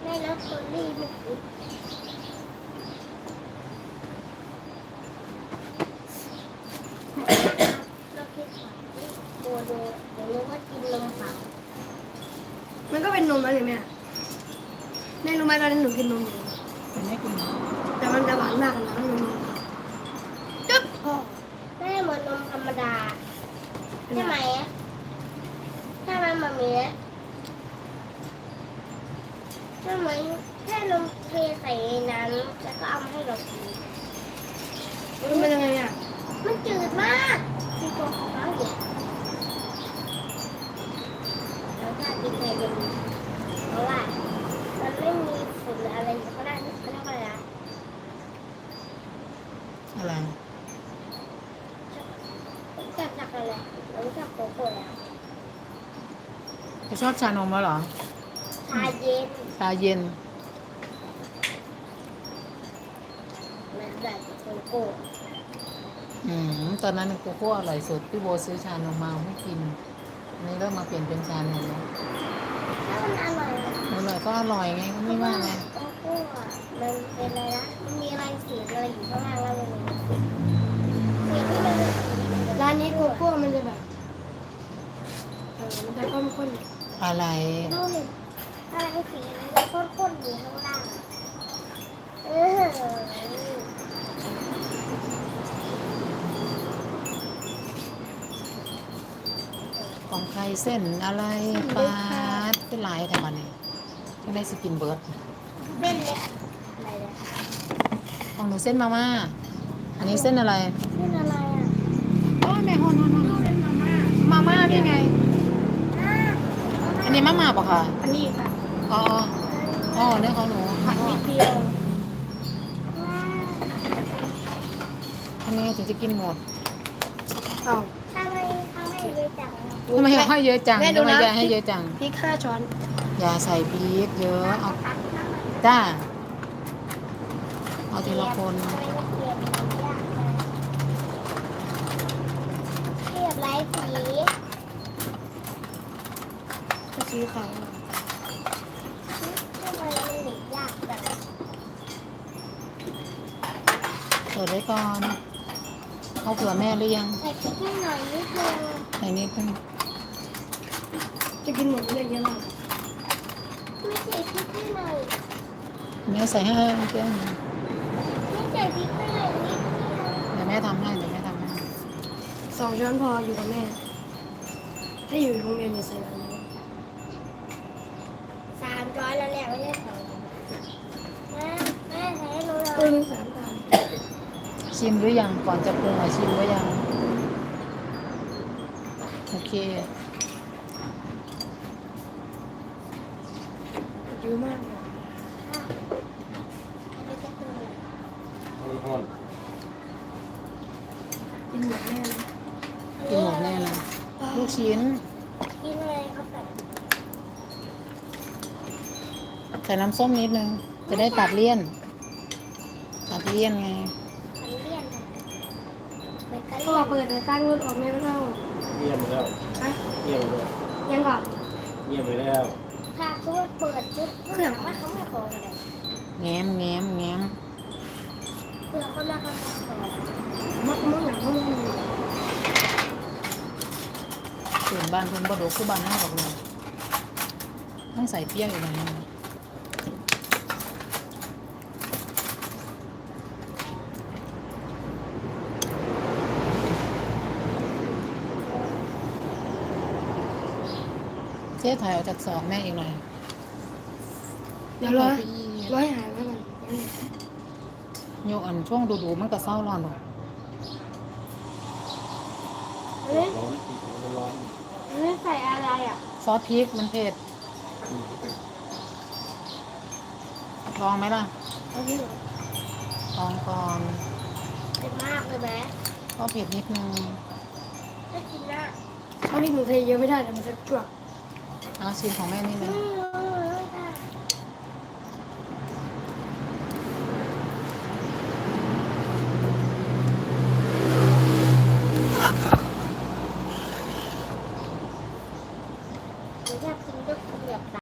ได้แล้วตัวรีบเราคิดว่าโบโดเดี๋ยวรู้ว่ากินนมเปล่ามันก็เป็นนมอะไรแม่แม่รู้ไหมตอนนั้นหนูกินนมอยู่เป็นไม่กินแต่มันจะหวานมากนะนมจึ๊บพอไม่เหมือนนมธรรมดาใช่ไหมใช่ไหมมามีใช่ไหมแค่นมเทใส่น้ำแล้วก็เอามาให้เรากินมันเป็นยังไงอ่ะมันจืดมากที่ตัวของเขาเด็กแล้วถ้ากินไปเป็นเพราะว่ามันไม่มีฝุ่นอะไรอยู่ข้างหน้าเขาเรียกว่าอะไรนะอะไรจากอะไรเราไม่ชอบโกโก้แล้วจะชอบชานมแล้วเหรอชาเย็นชาเย็นมันแบบโกโก้ตอนนั้นโกโก้อร่อยสุดพี่โบซื้อชานมมาให้กินอันนี้เริ่มมาเปลี่ยนเป็นชานมแล้วถ้ามันอร่อยนะอร่อยก็อร่อยไงก็ไม่ว่าไงโกโก้อะมันเป็นอะไรนะมันมีอะไรสีอะไรอยู่ข้างล่างแล้วมันมีสีที่มันเป็นสีร้านนี้โกโก้มันจะแบบมันจะข้นอะไรนู่นอะไรสีข้นๆอยู่ข้างล่างอะเออของใครเส้นอะไรปลาเป็นหลายแต่วันนี้ที่ได้สกินเบิร์ดเส้นเล็กอะไรเนี่ยของหนูเส้นมาม่าอันนี้เส้นอะไรเส้นอะไรอ่ะโอ้แม่ฮอนมาม่านี่ไงอ่าอันนี้มาม่าปะคะๆอันนี้ค่ะอ๋ออ๋อเนี่ยของหนูผัดนิดเดียวว้าวทำยังไงถึงจะกินหมดเอาทำไมเขาให้เยอะจังอะทำไมให้เยอะจังแม่ดูทำไมนะยายให้เยอะจังพริก5 ช้อนอย่าใส่พริกเยอะเอาตักน้ำมันจ้าเอาทีละคนทำไมมันเกลียดมันยากจังเกลียดไร้สีก็ซื้อขาวทำไมมันหนียากจังเปิดไว้ก่อนเอาเผื่อแม่หรือยังใส่พริกให้หน่อยนิดนึงใส่นิดนึงจะกินหมดเลยเยอะมากไม่ใส่พริกให้หน่อยแม่ใส่ให้เพื่อนไม่ใส่พริกให้หน่อยนิดเดียวเดี๋ยวแม่ทำให้เดี๋ยวแม่ทำให้ 2 ช้อนพออยู่กับแม่ ถ้าอยู่โรงเรียนจะใส่แบบนี้ 300แล้วแหละไม่ใช่2แม่ใส่ให้หนูหน่ปรุอยง3 ตามชิมหรือยังก่อนจะปรุงชิมหรือยังโอเคเยอะมากเลยอันนี้จะคืออะไรห้อนกินหมดแน่เลยกินหมดแน่เลยลูกชิ้นกินอะไรเขาแบบใส่น้ำส้มนิดนึงจะได้ตัดเลี่ยนตัดเลี่ยนไงขันเลี่ยนนะเบเกอพ่อรี่เปิดแต่ตั้งรถออกแม่ไม่เข้าเงียบไปแล้วฮะเงียบไปแล้วยังก่อนเงียบไปแล้วถ้าตัวเปิดจุดเครื่องว่าเขาไม่ขออะไรแง้มแง้มแง้มเพื่อเขามาเขาขอมักหนังมักส่วนบ้านเพิ่นบ่ดกคือบ้านห้าดอกเลยต้องใส่เปรี้ยวอยู่หน่อยนึงเจ๊ถอยออกจากซองแม่อีกหน่อยเดี๋ยวร้อยหายไว้ก่อนโยกอันช่วงดูๆมันก็เศร้าร้อนหรอกเฮ้ยร้อนมันร้อนนี่ใส่อะไรอ่ะซอสพริกมันเผ็ดลองไหมล่ะเอาที่ลองก่อนเป็นมากเลยไหมก็เผ็ดนิดนึงไม่กินนะเอาที่หนูเทเยอะไม่ได้แต่มันจะจวกเอาชิมของแม่นี่เลยไม่ได้